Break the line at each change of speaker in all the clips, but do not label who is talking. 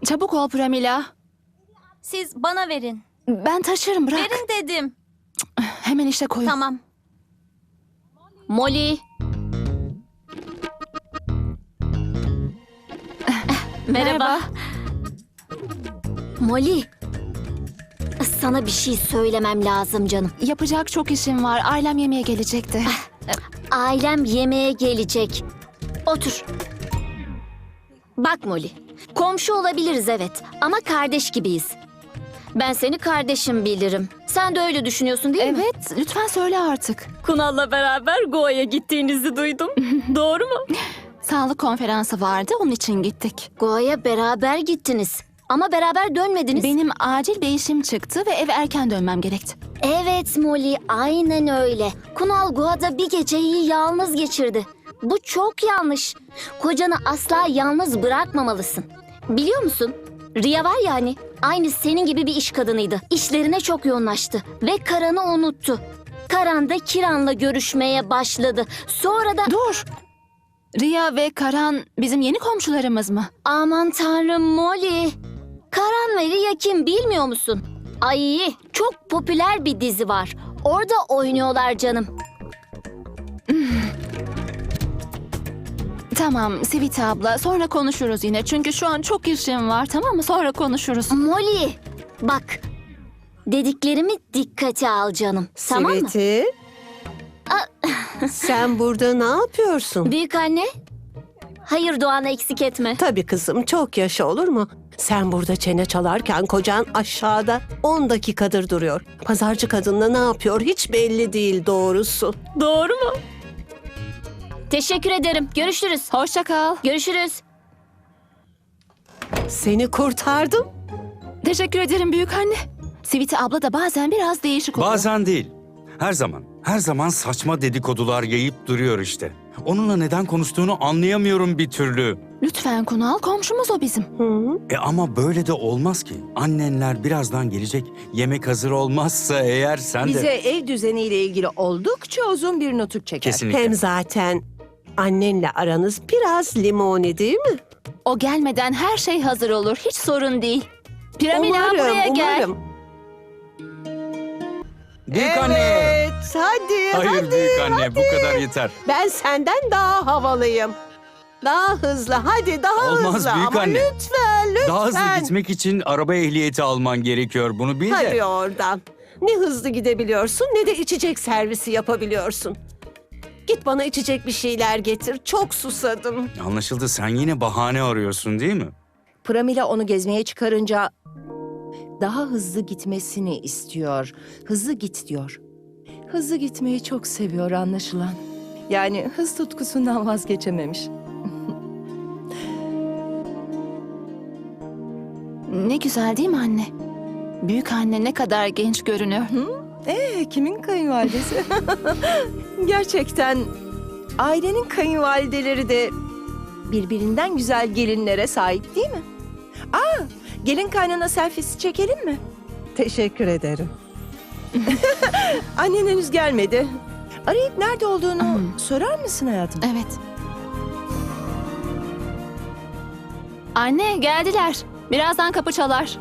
Çabuk ol Pramila.
Siz bana verin.
Ben taşırım, bırak.
Verin dedim.
Hemen işe koyun.
Tamam. Molly. Merhaba. Molly. Sana bir şey söylemem lazım canım.
Yapacak çok işim var. Ailem yemeğe gelecekti.
Ailem yemeğe gelecek. Otur. Bak Molly, komşu olabiliriz evet ama kardeş gibiyiz. Ben seni kardeşim bilirim. Sen de öyle düşünüyorsun değil mi?
Evet, lütfen söyle artık.
Kunal'la beraber Goa'ya gittiğinizi duydum. Doğru mu?
Sağlık konferansı vardı, onun için gittik.
Goa'ya beraber gittiniz. Ama beraber dönmediniz.
Benim acil bir işim çıktı ve eve erken dönmem gerekti.
Evet Molly, aynen öyle. Kunal Goa'da bir geceyi yalnız geçirdi. Bu çok yanlış. Kocanı asla yalnız bırakmamalısın. Biliyor musun? Riya var ya hani, aynı senin gibi bir iş kadınıydı. İşlerine çok yoğunlaştı ve Karan'ı unuttu. Karan da Kiran'la görüşmeye başladı. Sonra da...
Dur! Riya ve Karan bizim yeni komşularımız mı?
Aman tanrım Molly. Karan ve Riya kim bilmiyor musun? Ay, çok popüler bir dizi var. Orada oynuyorlar canım.
Tamam Sivita abla, sonra konuşuruz yine. Çünkü şu an çok işim var, tamam mı? Sonra konuşuruz.
Molly, bak. Dediklerimi dikkate al canım. Tamam mı?
Siveti. Sen burada ne yapıyorsun?
Büyük anne. Hayır Doğan'ı eksik etme.
Tabii kızım, çok yaşa olur mu? Sen burada çene çalarken kocan aşağıda 10 dakikadır duruyor. Pazarcı kadınla ne yapıyor hiç belli değil doğrusu.
Doğru mu? Teşekkür ederim. Görüşürüz.
Hoşça kal.
Görüşürüz.
Seni kurtardım.
Teşekkür ederim büyük anne. Sivita abla da bazen biraz değişik oluyor.
Bazen değil. Her zaman. Her zaman saçma dedikodular yayıp duruyor işte. Onunla neden konuştuğunu anlayamıyorum bir türlü.
Lütfen Kunal, komşumuz o bizim.
Ama böyle de olmaz ki. Annenler birazdan gelecek. Yemek hazır olmazsa eğer sen
Bize
de...
ev düzeniyle ilgili oldukça uzun bir nutuk çeker.
Kesinlikle.
Hem zaten annenle aranız biraz limoni değil mi?
O gelmeden her şey hazır olur. Hiç sorun değil. Piramila buraya gel.
Büyük anne!
Evet, hadi,
Hayır
hadi.
büyük anne, bu kadar yeter.
Ben senden daha havalıyım. Daha hızlı, hadi daha
Olmaz
hızlı.
büyük
Ama
anne.
lütfen, lütfen.
Daha hızlı gitmek için araba ehliyeti alman gerekiyor. Bunu bil de.
Hadi oradan. Ne hızlı gidebiliyorsun ne de içecek servisi yapabiliyorsun. Git bana içecek bir şeyler getir. Çok susadım.
Anlaşıldı, sen yine bahane arıyorsun değil mi?
Pramila onu gezmeye çıkarınca daha hızlı gitmesini istiyor. Hızlı git diyor. Hızlı gitmeyi çok seviyor anlaşılan. Yani hız tutkusundan vazgeçememiş.
Ne güzel değil mi anne? Büyük anne ne kadar genç görünüyor.
Kimin kayınvalidesi? Gerçekten ailenin kayınvalideleri de birbirinden güzel gelinlere sahip değil mi? Gelin kaynana selfiesi çekelim mi?
Teşekkür ederim.
Annen henüz gelmedi. Arayıp nerede olduğunu sorar mısın hayatım?
Evet. Anne geldiler. Birazdan kapı çalar.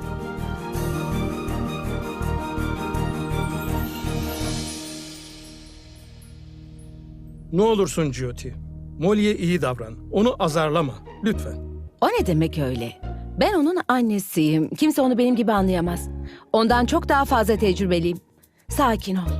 Ne olursun Jyoti. Molly'e iyi davran. Onu azarlama. Lütfen.
O ne demek öyle? Ben onun annesiyim. Kimse onu benim gibi anlayamaz. Ondan çok daha fazla tecrübeliyim. Sakin ol.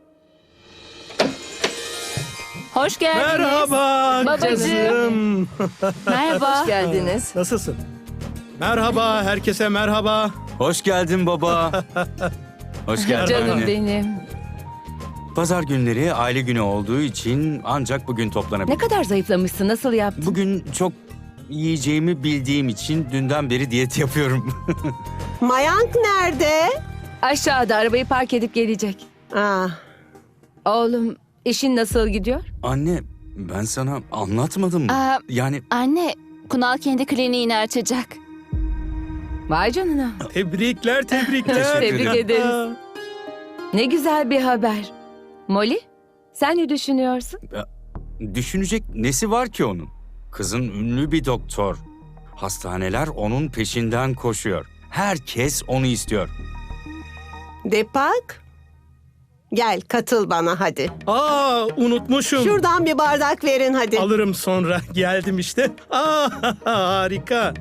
Hoş geldiniz.
Merhaba
Babacığım.
kızım.
Merhaba.
Hoş geldiniz.
Nasılsın? Merhaba, herkese merhaba.
Hoş geldin baba. Hoş geldin
Canım
anne.
benim.
Pazar günleri aile günü olduğu için ancak bugün
Ne
toplanabilir.
kadar zayıflamışsın. Nasıl yaptın?
Bugün çok yiyeceğimi bildiğim için dünden beri diyet yapıyorum.
Mayank nerede?
Aşağıda arabayı park edip gelecek.
Ah,
Oğlum, işin nasıl gidiyor?
Anne, ben sana anlatmadım mı?
Aa,
Yani
Anne, Kunal kendi kliniğini açacak.
Vay canına.
Tebrikler, tebrikler.
Teşekkür
Tebrik
ederim.
ederiz. Ne güzel bir haber. Molly, sen ne düşünüyorsun?
düşünecek nesi var ki onun? Kızın ünlü bir doktor. Hastaneler onun peşinden koşuyor. Herkes onu istiyor.
Depak, gel katıl bana hadi.
Unutmuşum.
Şuradan bir bardak verin hadi.
Alırım sonra. Geldim işte. Harika.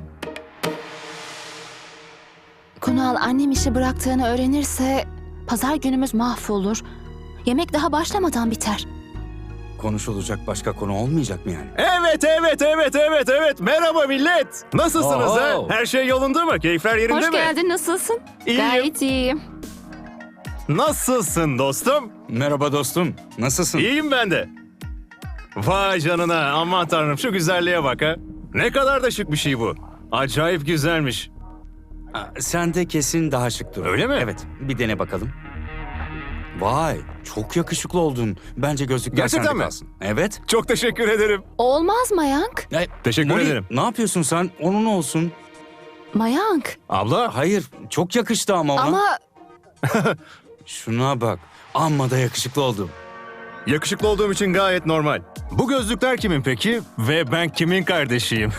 Kunal annem işi bıraktığını öğrenirse pazar günümüz mahvolur. Yemek daha başlamadan biter.
Konuşulacak başka konu olmayacak mı yani?
Evet. Merhaba millet. Nasılsınız ha?
Oo.
Her şey yolunda mı? Keyifler yerinde
Hoş
mi?
geldin, nasılsın?
İyiyim.
Gayet iyiyim.
Nasılsın dostum?
Merhaba dostum, nasılsın?
İyiyim ben de. Vay canına, aman tanrım şu güzelliğe bak ha. Ne kadar da şık bir şey bu. Acayip güzelmiş.
Sen de kesin daha şık dur.
Öyle mi?
Evet, bir dene bakalım. Vay, çok yakışıklı oldun. Bence gözlükler
Gerçekten
sende
mi?
kalsın. Evet.
Çok teşekkür ederim.
Olmaz Mayank.
Teşekkür
Molly,
ederim.
ne yapıyorsun sen? Onun olsun.
Mayank.
Abla,
Hayır, çok yakıştı ama ona.
Ama
Şuna bak, amma da yakışıklı oldum.
yakışıklı olduğum için gayet normal. Bu gözlükler kimin peki? Ve ben kimin kardeşiyim?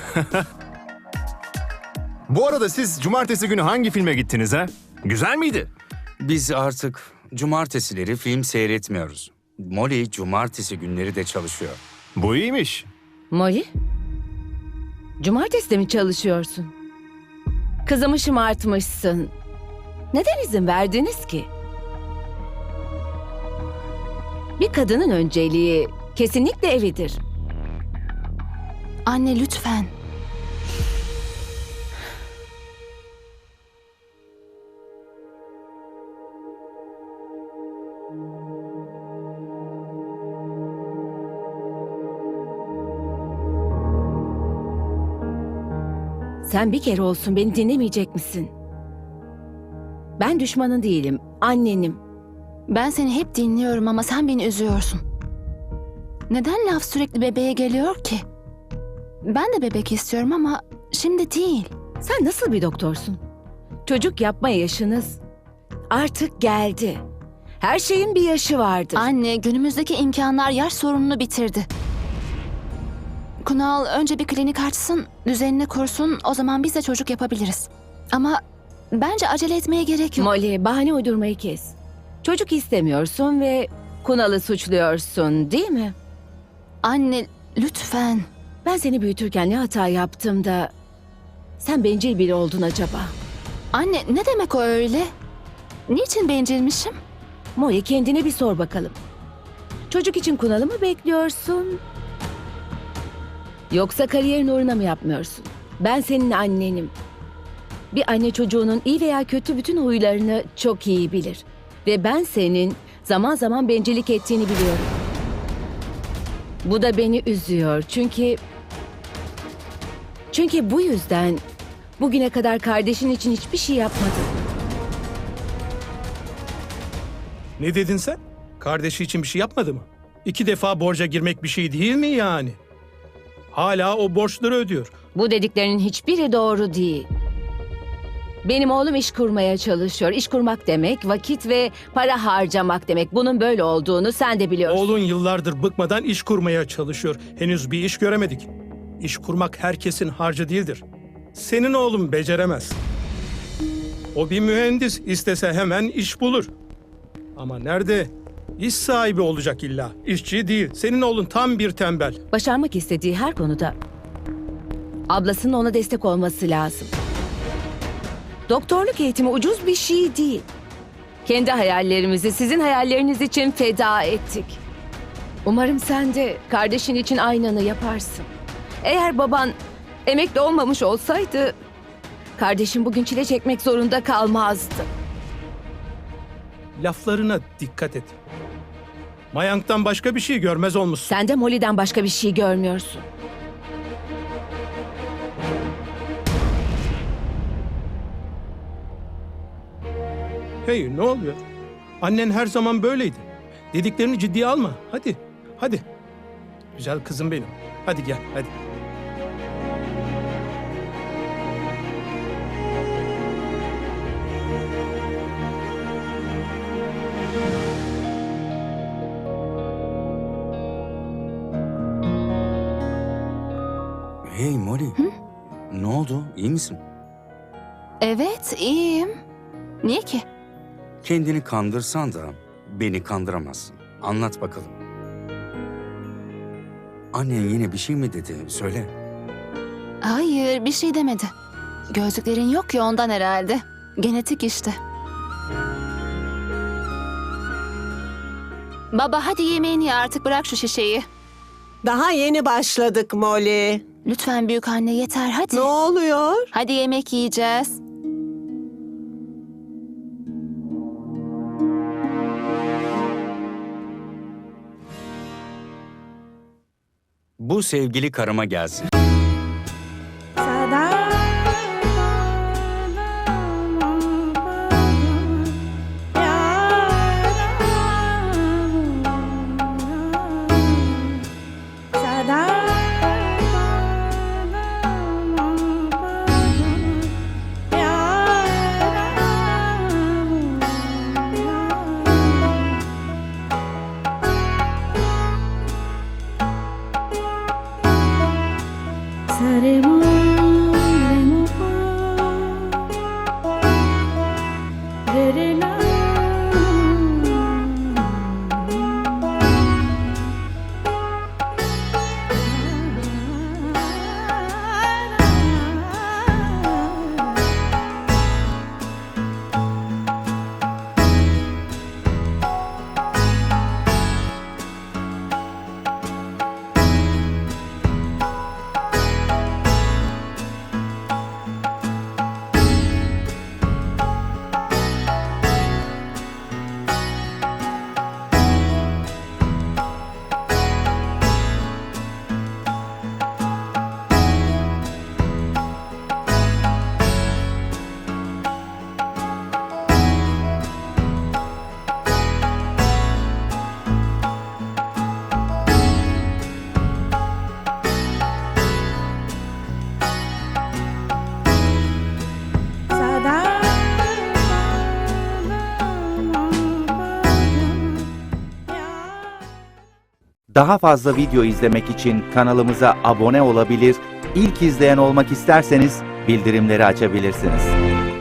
Bu arada siz cumartesi günü hangi filme gittiniz ha? Güzel miydi?
Biz artık cumartesileri film seyretmiyoruz. Molly cumartesi günleri de çalışıyor.
Bu iyiymiş.
Molly? Cumartesi de mi çalışıyorsun? Kızımı şımartmışsın. Neden izin verdiniz ki? Bir kadının önceliği kesinlikle evidir.
anne lütfen.
Sen bir kere olsun beni dinlemeyecek misin? Ben düşmanın değilim, annenim.
Ben seni hep dinliyorum ama sen beni üzüyorsun. Neden laf sürekli bebeğe geliyor ki? Ben de bebek istiyorum ama şimdi değil.
Sen nasıl bir doktorsun? Çocuk yapma yaşınız artık geldi. Her şeyin bir yaşı vardır.
Anne, günümüzdeki imkanlar yaş sorununu bitirdi. Kunal önce bir klinik açsın, düzenini kursun, o zaman biz de çocuk yapabiliriz. Ama bence acele etmeye gerek yok.
Molly, bahane uydurmayı kes. Çocuk istemiyorsun ve Kunal'ı suçluyorsun, değil mi?
Anne, lütfen.
Ben seni büyütürken ne hata yaptım da sen bencil biri oldun acaba?
Anne, ne demek o öyle? Niçin bencilmişim?
Molly, kendine bir sor bakalım. Çocuk için Kunal'ı mı bekliyorsun? Yoksa kariyerin uğruna mı yapmıyorsun? Ben senin annenim. Bir anne çocuğunun iyi veya kötü bütün huylarını çok iyi bilir. Ve ben senin zaman zaman bencillik ettiğini biliyorum. Bu da beni üzüyor çünkü bu yüzden bugüne kadar kardeşin için hiçbir şey yapmadın.
Ne dedin sen? Kardeşi için bir şey yapmadı mı? 2 defa borca girmek bir şey değil mi yani? Hala o borçları ödüyor.
Bu dediklerinin hiçbiri doğru değil. Benim oğlum iş kurmaya çalışıyor. İş kurmak demek vakit ve para harcamak demek. Bunun böyle olduğunu sen de biliyorsun.
Oğlun yıllardır bıkmadan iş kurmaya çalışıyor. Henüz bir iş göremedik. İş kurmak herkesin harcı değildir. Senin oğlun beceremez. O bir mühendis, istese hemen iş bulur. Ama nerede? İş sahibi olacak illa. İşçi değil. Senin oğlun tam bir tembel.
Başarmak istediği her konuda ablasının ona destek olması lazım. Doktorluk eğitimi ucuz bir şey değil. Kendi hayallerimizi sizin hayalleriniz için feda ettik. Umarım sen de kardeşin için aynını yaparsın. Eğer baban emekli olmamış olsaydı kardeşin bugün çile çekmek zorunda kalmazdı.
Laflarına dikkat et. Mayank'tan başka bir şey görmez olmuşsun.
Sen de Molly'den başka bir şey görmüyorsun.
Hey, ne oluyor? Annen her zaman böyleydi. Dediklerini ciddiye alma. Hadi, hadi. Güzel kızım benim. Hadi gel, hadi.
Hey Molly, ne oldu? İyi misin?
Evet, iyiyim. Niye ki?
Kendini kandırsan da beni kandıramazsın. Anlat bakalım. Annen yine bir şey mi dedi? Söyle.
Hayır, bir şey demedi. Gözlüklerin yok ya ondan herhalde. Genetik işte. Baba hadi yemeğini ye artık bırak şu şişeyi.
Daha yeni başladık Molly.
Lütfen büyük anne yeter hadi.
Ne oluyor?
Hadi yemek yiyeceğiz.
Bu sevgili karıma gelsin.
Daha fazla video izlemek için kanalımıza abone olabilir, ilk izleyen olmak isterseniz bildirimleri açabilirsiniz.